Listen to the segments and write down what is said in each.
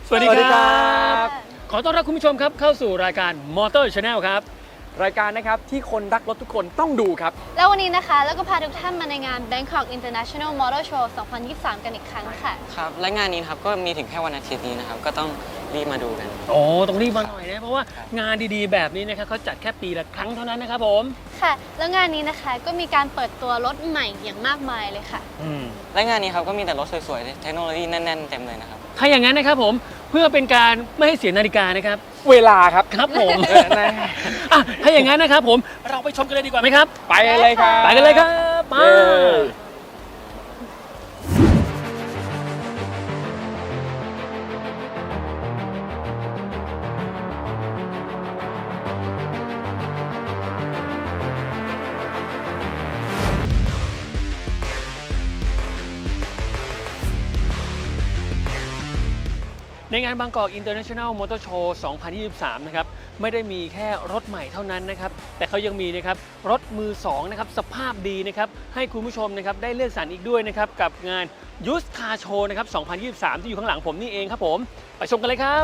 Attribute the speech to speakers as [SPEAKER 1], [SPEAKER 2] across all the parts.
[SPEAKER 1] สวัสดีครับ
[SPEAKER 2] ขอต้อนรับคุณผู้ชมครับเข้าสู่รายการ Motor Channel ครับ
[SPEAKER 1] รายการนะครับที่คนรักรถทุกคนต้องดูครับ
[SPEAKER 3] แล้ววันนี้นะคะแล้วก็พาทุกท่านมาในงาน Bangkok International Motor Show 2023 กันอีกครั้งค่ะ
[SPEAKER 4] ครับและงานนี้นะครับก็มีถึงแค่วันอาทิตย์นี้นะครับก็ต้องรีบมาดูกัน
[SPEAKER 2] โอ้ต้องรีบมาหน่อยนะเพราะว่างานดีๆแบบนี้นะครับเขาจัดแค่ปีละครั้งเท่านั้นนะครับผม
[SPEAKER 3] ค่ะ แล้วงานนี้นะคะก็มีการเปิดตัวรถใหม่อย่างมากมายเลยค่ะ
[SPEAKER 4] และงานนี้ครับก็มีแต่รถสวยๆเทคโนโลยีแน่นๆเต็มเลยนะครับ
[SPEAKER 2] ถ้าอย่างนั้นนะครับผมเพื่อเป็นการไม่ให้เสียนาฬิกานะครับ
[SPEAKER 1] เวลาครับ
[SPEAKER 2] ครับผมอ่ะถ้าอย่างนั้นนะครับผมเราไปชมกันเลยดีกว่าไหมครับ
[SPEAKER 1] ไปเลยครับ
[SPEAKER 2] ไปกันเลยครับมา
[SPEAKER 1] เย้
[SPEAKER 2] ในงานบางกอก International Motor Show 2023 นะครับไม่ได้มีแค่รถใหม่เท่านั้นนะครับแต่เขายังมีนะครับรถมือ2นะครับสภาพดีนะครับให้คุณผู้ชมนะครับได้เลือกสรรอีกด้วยนะครับกับงาน Used Car Show นะครับ 2023 ที่อยู่ข้างหลังผมนี่เองครับผมไปชมกันเลยครับ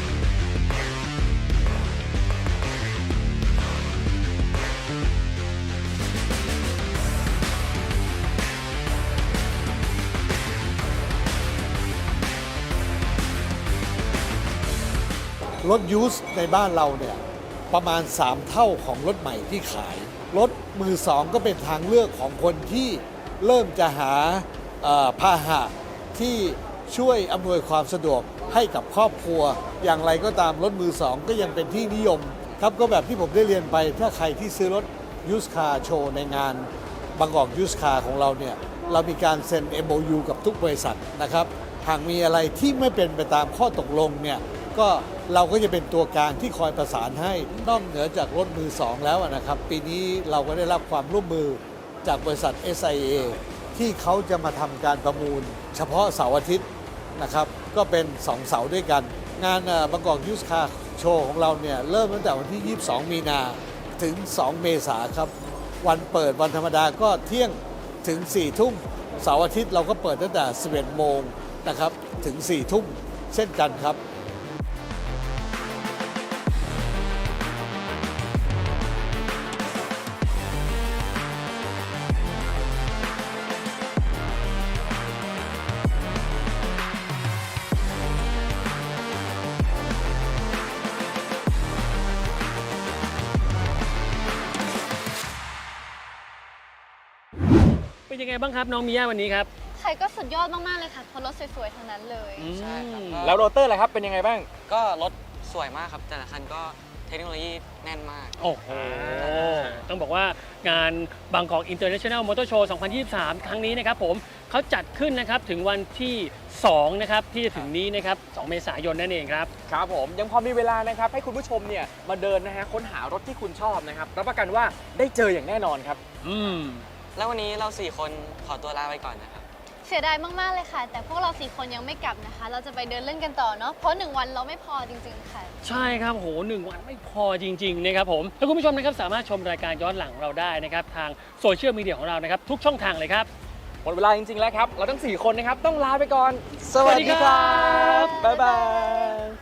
[SPEAKER 5] รถยูสในบ้านเราเนี่ยประมาณ 3 เท่าของรถใหม่ที่ขาย รถมือสองก็เป็นทางเลือกของคนที่เริ่มจะหาพาหะที่ช่วยอำนวยความสะดวกให้กับครอบครัว อย่างไรก็ตามรถมือสองก็ยังเป็นที่นิยมครับก็แบบที่ผมได้เรียนไปถ้าใครที่ซื้อรถยูสคาร์โชว์ในงานบางกอกยูสคาร์ของเราเนี่ยเรามีการเซ็น MOU กับทุกบริษัทนะครับหากมีอะไรที่ไม่เป็นไปตามข้อตกลงเนี่ยก็เราก็จะเป็นตัวกลางที่คอยประสานให้นอกเหนือจากรถมือสองแล้วนะครับปีนี้เราก็ได้รับความร่วมมือจากบริษัท SIA ที่เขาจะมาทำการประมูล เฉพาะเสาร์อาทิตย์นะครับก็เป็น2เสาร์ด้วยกัน งานบางกอกยูสคาร์โชว์ของเราเนี่ยเริ่มตั้งแต่วันที่ 22 มีนาถึง 2 เมษาครับวันเปิดวันธรรมดาก็เที่ยงถึง 4 ทุ่มเสาร์อาทิตย์เราก็เปิดตั้งแต่ 11 โมงนะครับถึง 4 ทุ่มเช่นกันครับ
[SPEAKER 2] เป็นยังไงบ้างครับน้องมิย่าวันนี้ครับ
[SPEAKER 3] ใครก็สุดยอดมาก ๆ เลยค่ะเพราะรถสวย ๆ ทั้งนั้นเลย
[SPEAKER 4] ใช่ครับ
[SPEAKER 1] แล้วโรเตอร์ล่ะครับเป็นยังไงบ้าง
[SPEAKER 4] ก็รถสวยมากครับแต่ละคันก็เทคโนโลยีแน่นมาก
[SPEAKER 2] โอ้โหต้องบอกว่างานบางกอก International Motor Show 2023 ครั้งนี้นะครับผมเขาจัดขึ้นนะครับถึงวันที่2นะครับที่จะถึงนี้นะครับ2 เมษายนนั่นเองครับ
[SPEAKER 1] ครับผมยังพอมีเวลานะครับให้คุณผู้ชมเนี่ยมาเดินนะฮะค้นหารถที่คุณชอบนะครับรับประกันว่าได้เจออย่างแน่นอนครับ
[SPEAKER 4] แล้ววันนี้เรา4คนขอตัวลาไปก่อนนะครับ
[SPEAKER 3] เสียดายมาก ๆ เลยค่ะ แต่พวกเรา 4 คนยังไม่กลับนะคะ เราจะไปเดินเล่นกันต่อเนาะเพราะ 1 วันเราไม่พอจริง ๆ ค่ะ
[SPEAKER 2] ใช่ครับโห1 วันไม่พอจริง ๆ นะครับผมถ้าคุณผู้ชมนะครับสามารถชมรายการย้อนหลังเราได้นะครับทางโซเชียลมีเดียของเรานะครับทุกช่องทางเลยครับ
[SPEAKER 1] หมดเวลาจริงๆแล้วครับเราทั้ง4คนนะครับต้องลาไปก่อน
[SPEAKER 2] สวัสดีครับ
[SPEAKER 1] บ๊ายบาย